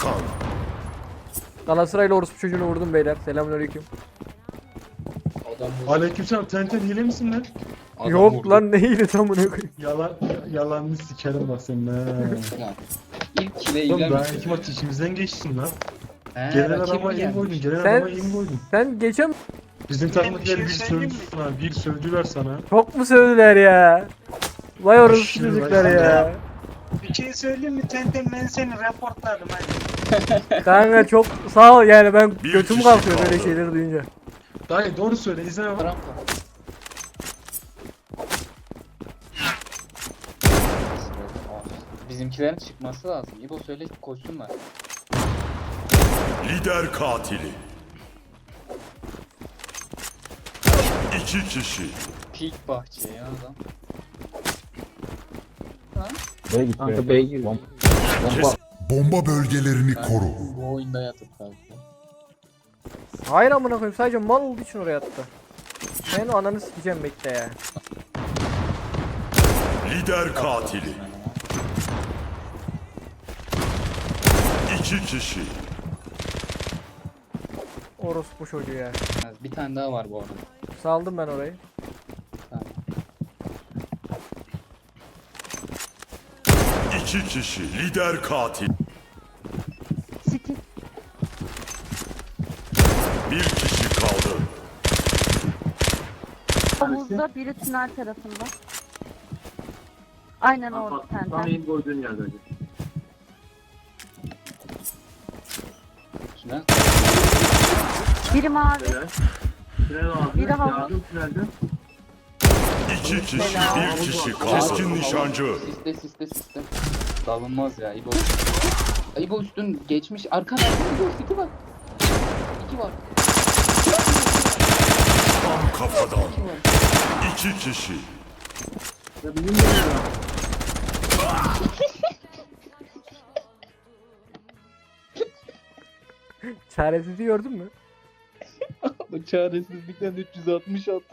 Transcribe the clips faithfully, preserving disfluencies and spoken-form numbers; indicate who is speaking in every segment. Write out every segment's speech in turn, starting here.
Speaker 1: Kalkan.
Speaker 2: Galatasaraylı orospu çocuğunu vurdum beyler. Selamünaleyküm.
Speaker 3: Adam
Speaker 4: Aleykümselam, Tenten hile misin lan?
Speaker 3: adam
Speaker 2: Yok
Speaker 3: vurdu.
Speaker 2: lan neyle tam bunu koyayım.
Speaker 4: Yalan, yalanını sikerim bak senin ha.
Speaker 3: Ya, İlk kile
Speaker 4: Oğlum daha
Speaker 3: ilerlemiş.
Speaker 4: iki maç içimizden geçtin lan.
Speaker 3: He,
Speaker 4: Gelen
Speaker 3: rakibi
Speaker 4: adama iyi
Speaker 3: gelmiş.
Speaker 4: koydun, gelen
Speaker 2: Sen-
Speaker 4: adama iyi koydun.
Speaker 2: Sen geçen
Speaker 4: Bizim
Speaker 5: bir
Speaker 4: takımdakiler
Speaker 5: şey
Speaker 4: bir
Speaker 5: söyleyeyim
Speaker 4: sövdü sana, bir sövdüler sana.
Speaker 2: çok mu sövdüler ya? Vay orospu
Speaker 4: Aşırı
Speaker 2: çocuklar
Speaker 4: vay.
Speaker 2: ya.
Speaker 5: Bir şey söyleyeyim mi Tenten, ben seni raportladım hadi.
Speaker 2: Kanka çok sağ ol yani ben
Speaker 1: Bir
Speaker 2: götüm
Speaker 1: kişi
Speaker 2: kalkıyor böyle
Speaker 1: kaldı.
Speaker 2: şeyleri duyunca.
Speaker 4: Dayı doğru söyle, izle bak.
Speaker 3: Rampa. Bizimkilerin çıkması lazım. İbo söyle koşsunlar.
Speaker 1: Lider katili. İki kişi.
Speaker 3: Peak bahçe ya adam.
Speaker 6: B'ye git
Speaker 7: Kanka B'ye gir.
Speaker 6: Bomba.
Speaker 1: Kes.
Speaker 8: Bomba bölgelerini koru.
Speaker 3: Bu oyunda yatıp kaldı.
Speaker 2: Hayır amına koyayım sadece mal olduğu için oraya attı. Senin ananı sikeceğim bekle ya.
Speaker 1: Lider katili. İki kişi.
Speaker 2: Orospu çocuğu ya.
Speaker 3: Bir tane daha var bu arada.
Speaker 2: Saldım ben orayı.
Speaker 3: Tamam.
Speaker 1: İki kişi. Lider katil.
Speaker 9: City.
Speaker 1: Bir kişi kaldı.
Speaker 9: Havuzda biri tünel tarafında. Aynen orada
Speaker 7: Tam
Speaker 9: senden.
Speaker 7: iyi koyduğun yerde hocam.
Speaker 3: Tünel.
Speaker 9: Biri mavi.
Speaker 7: Tünel aldı.
Speaker 9: Biri havuz.
Speaker 7: Yardım tünelde.
Speaker 1: İki kişi. Bir kişi kaldı. Keskin nişancı.
Speaker 3: Siste siste siste. Dalınmaz ya İbo. İbo üstün geçmiş. Arkada İbo iki var. İki var.
Speaker 1: Tam kafadan.
Speaker 3: İki var.
Speaker 1: İki kişi.
Speaker 7: Ya bizim de ne var?
Speaker 2: Çaresizliği gördün mü?
Speaker 3: Bu çaresizlikten üç yüz altmış attı.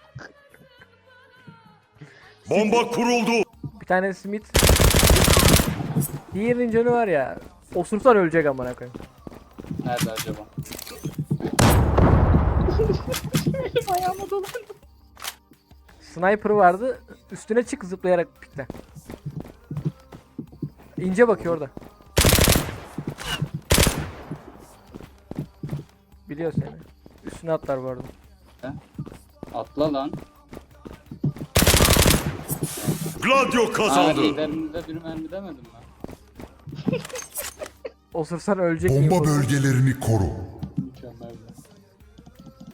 Speaker 1: Bomba kuruldu.
Speaker 2: Bir tane Smith. Diğerinin canı var ya. Osursan ölecek amına koyayım.
Speaker 3: Nerede acaba? Ayağıma dolandı.
Speaker 2: Sniper vardı. Üstüne çık zıplayarak pikle. İnce bakıyor orada. Biliyor seni. Üstüne atlar bu arada.
Speaker 3: Atla lan.
Speaker 1: Gladio
Speaker 3: Aa,
Speaker 1: kazandı.
Speaker 3: liderimizde bir mermi demedim ben.
Speaker 2: Osursan ölecek diye
Speaker 8: Bomba
Speaker 2: korkuyorum.
Speaker 8: bölgelerini koru.